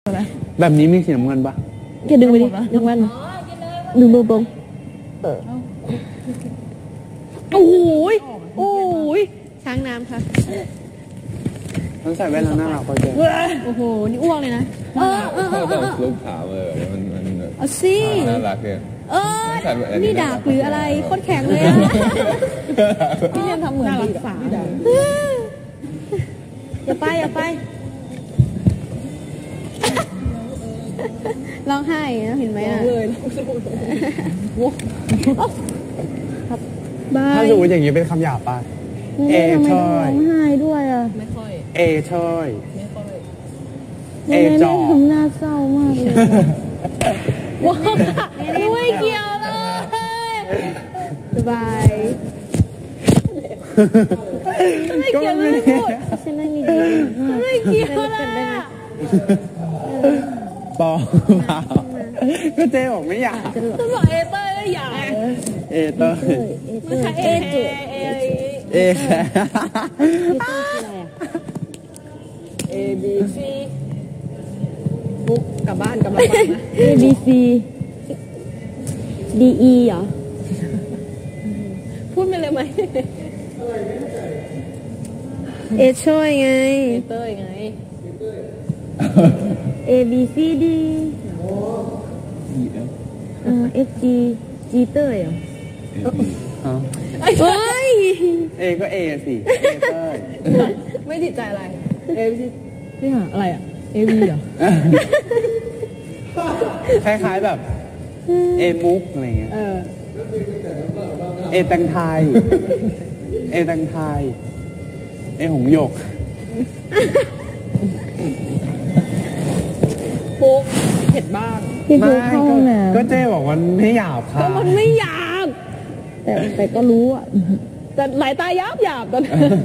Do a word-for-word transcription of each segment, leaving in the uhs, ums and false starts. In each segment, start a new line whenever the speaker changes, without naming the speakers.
แบบนี้มีสีน้ำเงินปะ
แกดึงไปดิดึงมันดึงเบอร์บงโอ้โหโอ้ยช้างน้ำค่ะ
ต้องใส่แว่นแล้วน่ารักพอเจอ
โอ้โหนี่อ้วกเลยนะเออเออเออ
ต้องลูกขาวเลยมันมัน
เอาสิ
น่ารักเลย
เออนี่ดาบหรืออะไรโคตรแข็งเลยอะพี่ยังทำเหมือนน่ารักษาอย่าไปอย่าไปร้องไห้นะเห็นไหมอ่ะเลย
ถ้าสมมติอย่างนี้เป็นคำหยาบป่ะเอช่อย
ร้องไห้ด้วยอ่ะ
ไม่ค่อย
เอช่อย
ไม่ค่อย
เอจอ
ทำหน้าเศร้ามากเลยว้าวไม่เกี่ยวเลยสบายไม่เกี่ยวเลยพูดฉันไม่มีดีไม่เกี่ยวเลย
ปอก็เจ๊บอกไม่อยาก
จะบอกเอเตอร์อยาก
เอเตอร์
ไม่ใช่เอจุเอ
เอแค่
เอบีซีบุ๊กกลับบ้านกลับบ้านนะ
A B C D E เหรอ
พูดไปเลยไหม
เอช่วยไง
เอเตอร์ไง
A B C D เออ F G G เตอร์เหรอเฮ้ย
เอก็เอสิเอเตอร์
ไม่ติดใจอะไรเอบีนี่หาอะไรอ่ะเอวีเหรอ
คล้ายๆแบบเอมุกอะไรเงี้ยเอแตงไทยเอแตงไทยเอหงหยก
ปุ๊กเผ็ดบ้าง
พี่ปุ๊กเข้าห้อง
ก็เจ๊บอกมันไม่หยาบค่ะ
ก็มันไม่หยาบ
แต่แต่ก็รู้อ่ะ
แต่หลายตาหยาบหยาบตอน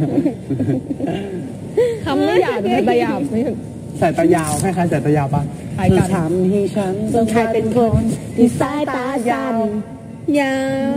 คำไม่หยาบแต่ตาหยาบนี่
สายตายาวคล้ายๆสายตายาวปะคือทำให้ฉัน
ใครเป็นคนที่สายตายาวยาว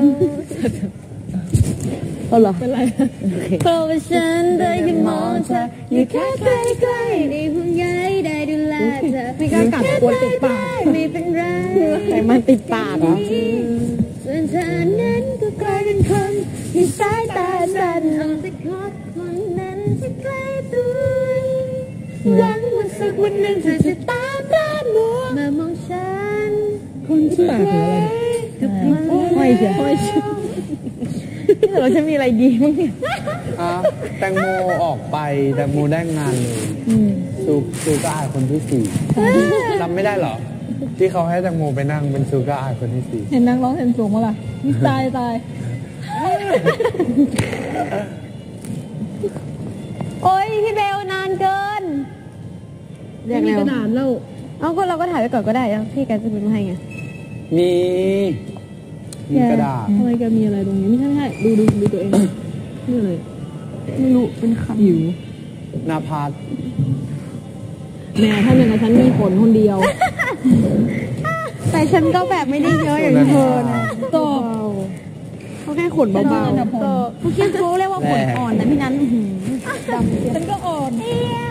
เอาเหรอ
เป็นไร
เพราะว่าฉันได้ยินมองเธออยู่แค่ใกล้ๆได้ห่วงใยได้ดูแลเธอ
ไม่กล้ากัดกวนติดปาก
ไม่เป็นไรแต่มันติดปากเหรอส่วนเธอนั้นก็กลายเป็นคนที่สายตาสั่นเอาแต่คอดคนนั้นจะใกล้ตัวหวังว่าสักวันหนึ่งเธอจะตามด้านมัวมามองฉัน
คนที่ปากหรืออะไร
ไม่ใช่ไม่ใช่เราจะมีอะไรดีมั้งเนี่ย
แตงโมออกไปแตงโมได้งานเลยซูซูก้าอายคนที่สี่จำไม่ได้หรอที่เขาให้แตงโมไปนั่งเป็นซูก้าอายคนที่สี่
เห็นนั่งร้องเห็นสูงมั้งล่ะตายตาย
โอ้ยพี่เบลนานเกิน
เรียกแล้วนานแล้ว
เอาก็เราก็ถ่ายไว้ก่อนก็ได้แล้วพี่แกจะเป็นมาให้ไง
มีมีกระดาษ
ทำไมแกมีอะไรตรงนี้ไม่ใช่ไม่ใช่ดูดูดูตัวเองนี่เลย
ไม่รู้เป็นคำ
หิว
นาภัส
แม่ถ้าอย่างนั้นฉันมีผลคนเดียว
แต่ฉันก็แบบไม่ได้เยอะอย่างเธอนะ
โต
เขาแค่ขนเบาๆโตเขาคิดเขาเรียกว่าขนอ่อนนะพี่นั้นดำ
ฉันก็อ่อน